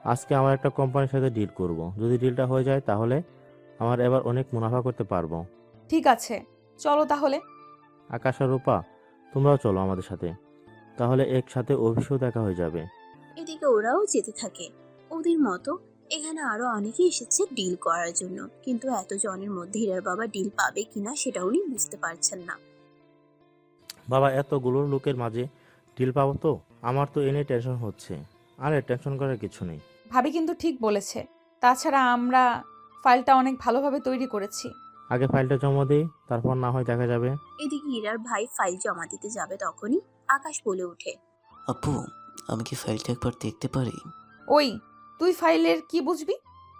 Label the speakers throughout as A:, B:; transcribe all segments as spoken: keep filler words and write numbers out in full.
A: আজকে আমার একটা কোম্পানির সাথে ডিল করব। যদি ডিলটা হয়ে যায় তাহলে আমার এবার অনেক মুনাফা করতে পারবো।
B: ঠিক আছে, চলো তাহলে।
A: আকাশ আর রূপা, তোমরাও চলো আমাদের সাথে, তাহলে একসাথে অফিসেও দেখা হয়ে যাবে।
C: এদিকে ওরাও যেতে থাকে। ওদের মতো এখানে আরো অনেকেই এসেছে ডিল করার জন্য, কিন্তু এত জনের মধ্যে হীরার বাবা ডিল পাবে কিনা সেটা উনি বুঝতে পারছেন না।
A: বাবা, এতগুলো লোকের মাঝে ডিল পাবো তো? আমার তো এনে টেনশন হচ্ছে। আরে টেনশন করার কিছু নেই।
B: ভাবি কিন্তু ঠিক বলেছে। তাছাড়া আমরা ফাইলটা অনেক ভালোভাবে তৈরি করেছি।
A: আগে ফাইলটা জমা দিই, তারপর না হয় দেখা যাবে।
C: এদিকে হীরার ভাই ফাইল জমা দিতে যাবে, তখনই আকাশ বলে ওঠে,
D: আপু, আমি কি ফাইলটা একবার দেখতে পারি?
B: ওই, তুই ফাইলের কি বুঝবি?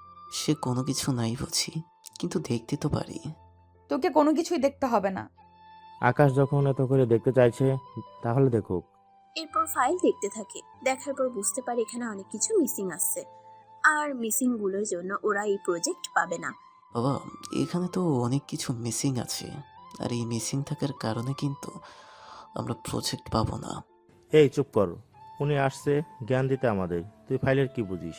D: সে কোনো কিছু নাই বুঝি, কিন্তু দেখতে তো পারি।
B: তোকে কোনো কিছুই দেখতে হবে না।
A: আকাশ যখন এত করে দেখতে চাইছে, তাহলে দেখুক।
C: এরপর ফাইল দেখতে থাকে। দেখার পর বুঝতে পারে এখানে অনেক কিছু মিসিং আসছে, আর মিসিং গুলোর জন্য ওরা এই প্রজেক্ট পাবে না।
D: বাবা, এখানে তো অনেক কিছু মিসিং আছে, আর এই মিসিং থাকার কারণে কিন্তু আমরা প্রজেক্ট পাবো না।
A: এই চুপ কর, উনি আসছে জ্ঞান দিতে আমাদের, তুই ফাইলের কি বুঝিস?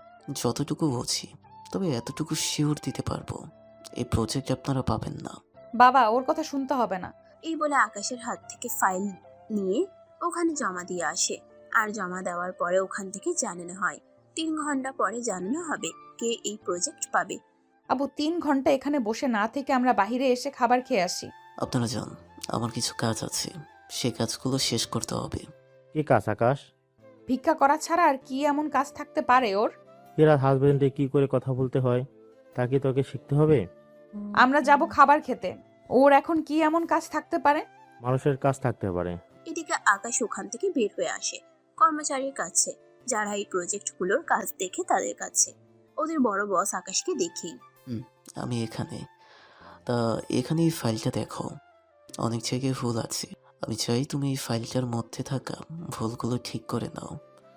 D: যতটুকু বুঝি, তবে এতটুকু শিওর দিতে পারবো, এই প্রজেক্ট আপনারা পাবেন না।
B: বাবা, ওর কথা শুনতে হবে না।
C: এই বলে আকাশের হাত থেকে ফাইল নিয়ে ওখানে জমা দিয়ে আসে। আর জমা দেওয়ার পরে ওখান থেকে জানানো হয়। তিন ঘন্টা পরে জানানো হবে কে এই প্রজেক্ট পাবে।
B: আবু, তিন ঘন্টা এখানে বসে না থেকে আমরা বাইরে এসে খাবার খেয়ে আসি।
D: আপনারা যান, আমার কিছু কাজ আছে, সে কাজগুলো শেষ করতে হবে।
A: কি কাজ আকাশ?
B: ভিক্ষা করা ছাড়া আর কি এমন কাজ থাকতে পারে ওর?
A: এরা হাজবেন্ডে কি করে কথা বলতে হয় তা কি তোকে শিখতে হবে?
B: আমরা যাব খাবার খেতে, ওর এখন কি এমন কাজ থাকতে পারে?
A: মানুষের কাজ থাকতে পারে।
C: এদিকে আকাশ ওখান থেকে বের হয়ে আসে কর্মচারীর কাছে, যারা এই প্রজেক্টগুলোর কাজ দেখে তাদের কাছে। ওদের বড় বস আকাশকে দেখেই,
D: হুম, আমি এখানে। তা এখানে এই ফাইলটা দেখো, অনেক জায়গায় ভুল আছে। আমি চাই তুমি এই ফাইলটার মধ্যে থাকা ভুলগুলো ঠিক করে নাও,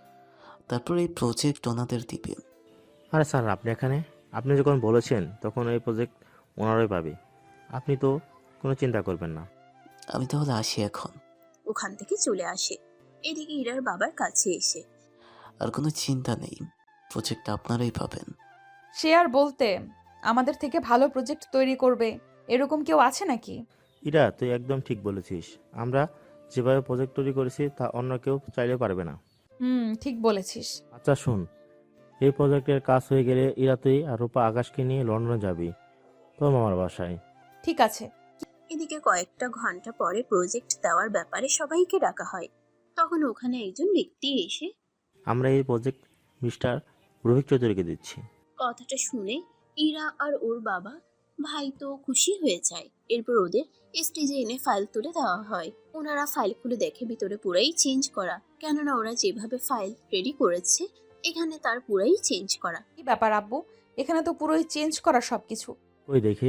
D: তারপর এই প্রজেক্ট ওনাদের দিবে।
A: আরে স্যার, আপনি এখানে? আপনি যখন বলেছেন তখন এই প্রজেক্ট ওনারাই পাবে। আপনি তো কোনো চিন্তা করবেন না।
D: আমি তাহলে আসি এখন।
C: ওখান থেকে চলে আসে। এদিকে ইরার বাবার কাছে এসে,
D: আর কোনো চিন্তা নেই, প্রজেক্ট আপনারাই পাবেন।
B: সে আর বলতে, আমাদের থেকে ভালো প্রজেক্ট তৈরি করবে এরকম কেউ আছে নাকি?
A: ইরা, তুই একদম ঠিক বলেছিস। আমরা যেভাবে প্রজেক্ট তৈরি করেছি তা অন্য কেউ চাইলেও পারবে না।
B: হুম, ঠিক বলেছিস।
A: আচ্ছা শোন, এই প্রজেক্টের কাজ হয়ে গেলে ইরা তুই আর রূপা আকাশকে নিয়ে লন্ডনে যাবি তোর মামার বাসায়।
B: ঠিক আছে।
C: এদিকে কয়েকটা ঘন্টা পরে প্রজেক্ট দেওয়ার ব্যাপারে সবাইকে ডাকা হয়। তখন ওখানে একজন ব্যক্তি এসে
A: আমরা এই প্রজেক্ট মিস্টার রোহিত চৌধুরীকে দিচ্ছি।
C: কথাটা শুনে ইরা আর ওর বাবা ভাই তো খুশি হয়ে যায়। এরপর ওদের স্টেজে এনে ফাইল তুলে দেওয়া হয়। ওনারা ফাইল খুলে দেখে ভিতরে পুরাই চেঞ্জ করা, কেননা ওরা যেভাবে ফাইল রেডি করেছে এখানে তার পুরাই চেঞ্জ করা।
B: কি ব্যাপার আব্বু, এখানে তো পুরোই চেঞ্জ করা সবকিছু।
A: ওই দেখি।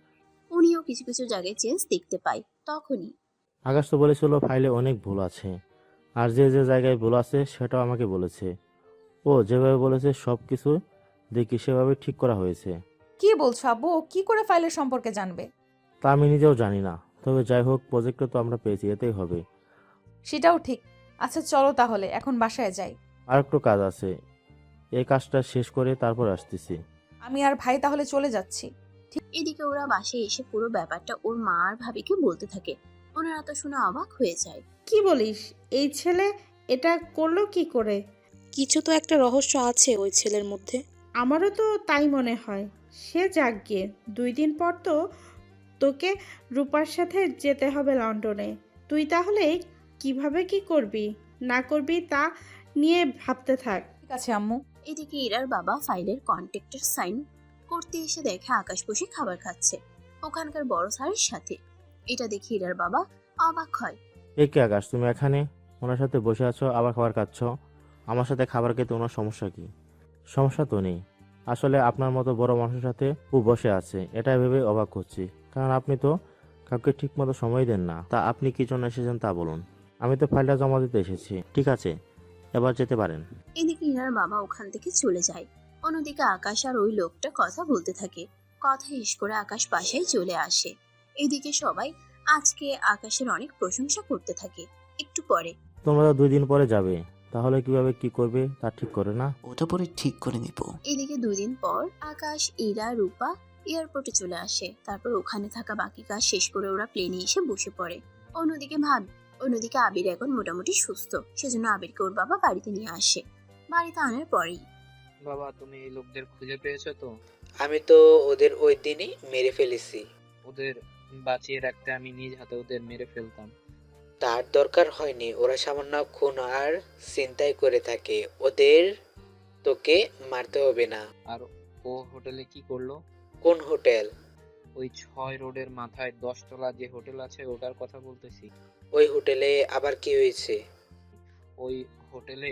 C: উনিও কিছু কিছু জায়গায় চেঞ্জ দেখতে পায়। তখনই
A: আকাশ তো বলেছিল ফাইলে অনেক ভুল আছে, আর যে যে জায়গায় ভুল আছে সেটাও আমাকে বলেছে। ও যেভাবে বলেছে সব কিছু দেখি সেভাবে ঠিক করা হয়েছে।
B: কি বলছো আব্বু, ও কি করে ফাইলের সম্পর্কে জানবে?
A: তা আমি নিজেও জানি না, তবে যাই হোক প্রজেক্টটা তো আমরা পেয়েছি, এতেই হবে।
B: সেটাও ঠিক। আচ্ছা চলো তাহলে এখন বাসায় যাই।
A: আর একটু কাজ আছে, এই কাজটা শেষ করে তারপর আসতেছি।
B: আমি আর ভাই তাহলে চলে যাচ্ছি।
C: এদিকে ওরা বাসায় এসে পুরো ব্যাপারটা ওর মা আর ভাবিকে বলতে থাকে। ওনারা তো শুনে অবাক হয়ে যায়।
E: কি বলিস? এই ছেলে এটা করলো কি করে?
F: কিছু তো একটা রহস্য আছে ওই ছেলের মধ্যে।
E: আমারও তো তাই মনে হয়। সে যাক গিয়ে, দুই দিন পর তো তোকে রূপার সাথে যেতে হবে লন্ডনে। তুই তাহলে কিভাবে কি করবি না করবি তা নিয়ে ভাবতে থাক।
B: ঠিক আছে আম্মু।
C: এদিকে ইরার বাবা ফাইলের কন্ট্রাক্টের সাইন করতে এসে দেখে আকাশ বসে খাবার খাচ্ছে ওখানকার বড় স্যারের সাথে। এটা দেখে ইরার বাবা অবাক হয়।
A: এ কি আকাশ, তুমি এখানে ওনার সাথে বসে আছো আবার খাবার খাচ্ছ? আমার সাথে খাবার খেতে ওনার সমস্যা কি? সমস্যা তো নেই, আসলে আপনার মতো বড় মানুষের সাথে ও বসে আছে এটা ভেবে অবাক হচ্ছি, কারণ আপনি তো কাউকে ঠিক মতো সময় দেন না। তা আপনি কি জন্য এসেছেন তা বলুন। আমি তো ফাইলটা জমা দিতে এসেছি। ঠিক আছে, এবার যেতে পারেন।
C: এদিকে ইরার বাবা ওখান থেকে চলে যায়। অন্যদিকে আকাশ আর ওই লোকটা কথা বলতে থাকে। কথা শেষ করে আকাশ বাসায় চলে আসে। এদিকে সবাই আজকে আকাশের অনেক প্রশংসা করতে থাকে। একটু পরে
A: তোমরা তো দুই দিন পরে যাবে, তাহলে কিভাবে কি করবে তা ঠিক করে না?
D: ওটা পরে ঠিক করে নিব।
C: এদিকে দুই দিন পর আকাশ, ইরা, রূপা এয়ারপোর্টে চলে আসে। তারপর ওখানে থাকা বাকি কাজ শেষ করে ওরা প্লেনে এসে বসে পড়ে। অন্যদিকে ভাব অন্যদিকে আবির এখন মোটামুটি সুস্থ, সেজন্য আবিরকে ওর বাবা বাড়িতে নিয়ে আসে। বাড়িতে আনার পরেই
G: বাবা, তুমি এই লোকদের খুঁজে পেয়েছো তো?
H: আমি তো ওদের ওই দিনই মেরে ফেলেছি।
G: ওদের বাঁচিয়ে রাখতে আমি নিজ হাতে ওদের মেরে ফেলতাম।
H: তার দরকার হয়নি, ওরা সামান্য খুন আর ছিনতাই করে থাকে। ওদের তোকে মারতে হবে না।
G: আর ও হোটেলে কি করলো?
H: কোন হোটেল?
G: ওই ছয় রোডের মাথায় দশতলা যে হোটেল আছে ওটার কথা বলতেছি।
H: ওই হোটেলে আবার কি হয়েছে?
G: ওই হোটেলে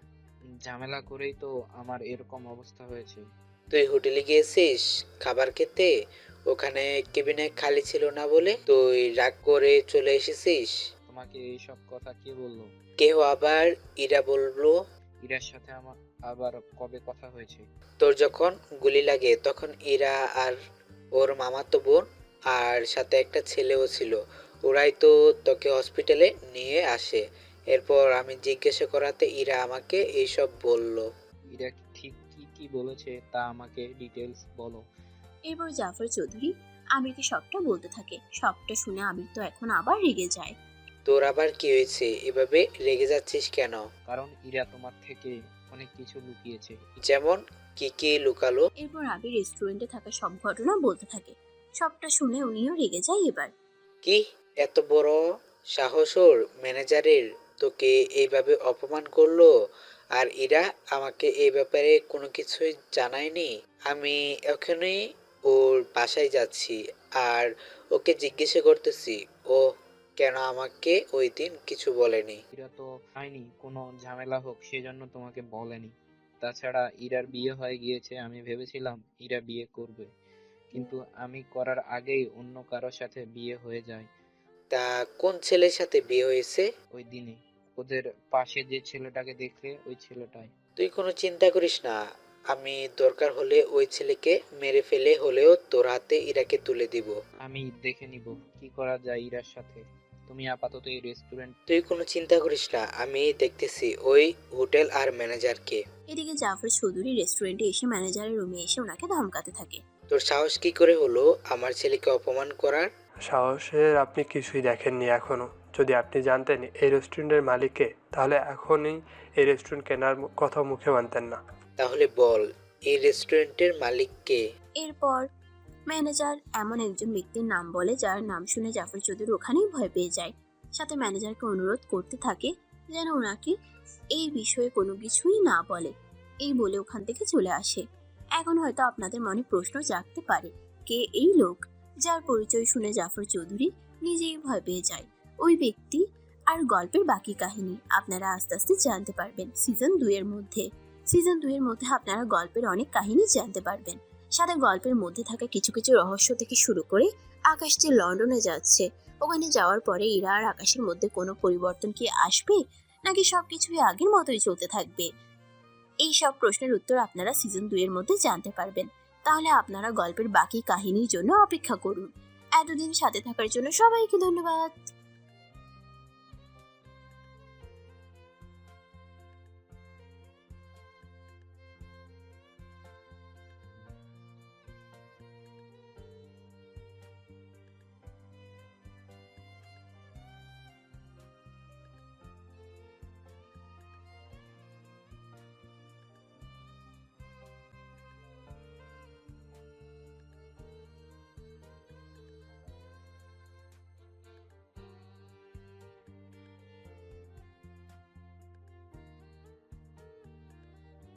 G: ঝামেলা করেই তো আমার এরকম অবস্থা হয়েছে।
H: তুই হোটেলে গিয়েছিস খাবার খেতে, ওখানে কেবিনে খালি ছিল না বলে তুই রাগ করে চলে এসেছিস।
G: তোমাকে এইসব কথা কে বললো?
H: কেউ আবার ইরা বললো।
G: ইরার সাথে আমার আবার কবে কথা হয়েছে?
H: তোর যখন গুলি লাগে তখন ইরা আর ওর মামাতো বোন আর সাথে একটা ছেলেও ছিল, ওরাই তো তোকে হসপিটালে নিয়ে আসে। এরপর আমি জিজ্ঞাসা করাতে ইরা আমাকে এইসব বলল।
G: ইরা ঠিক কি কি বলেছে তা আমাকে ডিটেলস বলো।
C: এরপর জাফর চৌধুরী আমিরকে সবটা বলতে থাকে। সবটা শুনে আমির তো এখন আবার রেগে যায়।
H: তোর আবার কি হয়েছে, এভাবে রেগে যাচ্ছিস কেন?
G: কারণ ইরা তোমার থেকে অনেক কিছু লুকিয়েছে।
H: যেমন কি কি লুকালো?
C: এরপর আবির রেস্টুরেন্টে থাকা সব ঘটনা বলতে থাকে। সবটা শুনে উনিও রেগে যায় এবার।
H: কি এত বড় সাহস ওর ম্যানেজারের, তোকে এইভাবে অপমান করলো? আর এরা আমাকে এই ব্যাপারে কোনো কিছুই জানায়নি। আমি এখনই ওর বাসায় যাচ্ছি আর ওকে জিজ্ঞাসা করতেছি ও কেন আমাকে ওই দিন কিছু বলেনি।
G: ইরা তো চায়নি কোনো ঝামেলা হোক, সেজন্য তোমাকে বলেনি। তাছাড়া ইরার বিয়ে হয়ে গিয়েছে, আমি ভেবেছিলাম ইরা বিয়ে করবে, কিন্তু আমি করার আগেই অন্য কারোর সাথে বিয়ে হয়ে যায়।
H: তা কোন ছেলের সাথে বিয়ে হয়েছে?
G: ওই দিনে ওদের পাশে যে ছেলেটাকে দেখলে ওই ছেলেটাই।
H: তুই কোনো চিন্তা করিস না, আমি দরকার হলে ওই ছেলেকে মেরে ফেলে হলেও তোর হাতে ইরাকে তুলে দিব।
G: আমি দেখে নিব কি করা যায় ইরার সাথে। তুমি আপাতত এই রেস্টুরেন্ট।
H: তুই কোনো চিন্তা করিস না, আমি দেখতেছি ওই হোটেল আর ম্যানেজারকে।
C: এদিকে জাফর চৌধুরী রেস্টুরেন্টে এসে ম্যানেজারের রুমে এসে ওনাকে ধমকাতে থাকে।
H: তোর সাহস কি করে হলো আমার ছেলেকে অপমান করার?
I: সাহসের আপনি কিছুই দেখেননি এখনো। যদি আপনি জানতেন এই রেস্টুরেন্টের মালিককে, তাহলে এখনই এই রেস্টুরেন্ট কেনার মু- কথা মুখে মানতেন না।
H: তাহলে বল এই রেস্টুরেন্টের মালিক কে?
C: এরপর ম্যানেজার এমন একজন ব্যক্তির নাম বলে যার নাম শুনে জাফর চৌধুরী ওখানেই ভয় পেয়ে যায়। সাথে ম্যানেজারকে অনুরোধ করতে থাকে যেন ওনাকে এই বিষয়ে কোনো কিছুই না বলে। এই বলে ওখান থেকে চলে আসে। এখন হয়তো আপনাদের মনে প্রশ্ন জাগতে পারে, কে এই লোক? যার পরিচয় শুনে জাফর চৌধুরী নিজেই ভয় পেয়ে যায়। ওই ব্যক্তি আর গল্পের বাকি কাহিনী আপনারা আস্তে আস্তে জানতে পারবেন সিজন দুই এর মধ্যে। সিজন দুই এর মধ্যে আপনারা গল্পের অনেক কাহিনী জানতে পারবেন। সাথে গল্পের মধ্যে থাকা কিছু কিছু রহস্য থেকে শুরু করে আকাশ যে লন্ডনে যাচ্ছে, ওখানে যাওয়ার পরে ইরা আর আকাশের মধ্যে কোনো পরিবর্তন কি আসবে, নাকি সবকিছুই আগের মতোই চলতে থাকবে? এই সব প্রশ্নের উত্তর আপনারা সিজন দুই এর মধ্যে জানতে পারবেন। তাহলে আপনারা গল্পের বাকি কাহিনীর জন্য অপেক্ষা করুন। এতদিন সাথে থাকার জন্য সবাইকে ধন্যবাদ।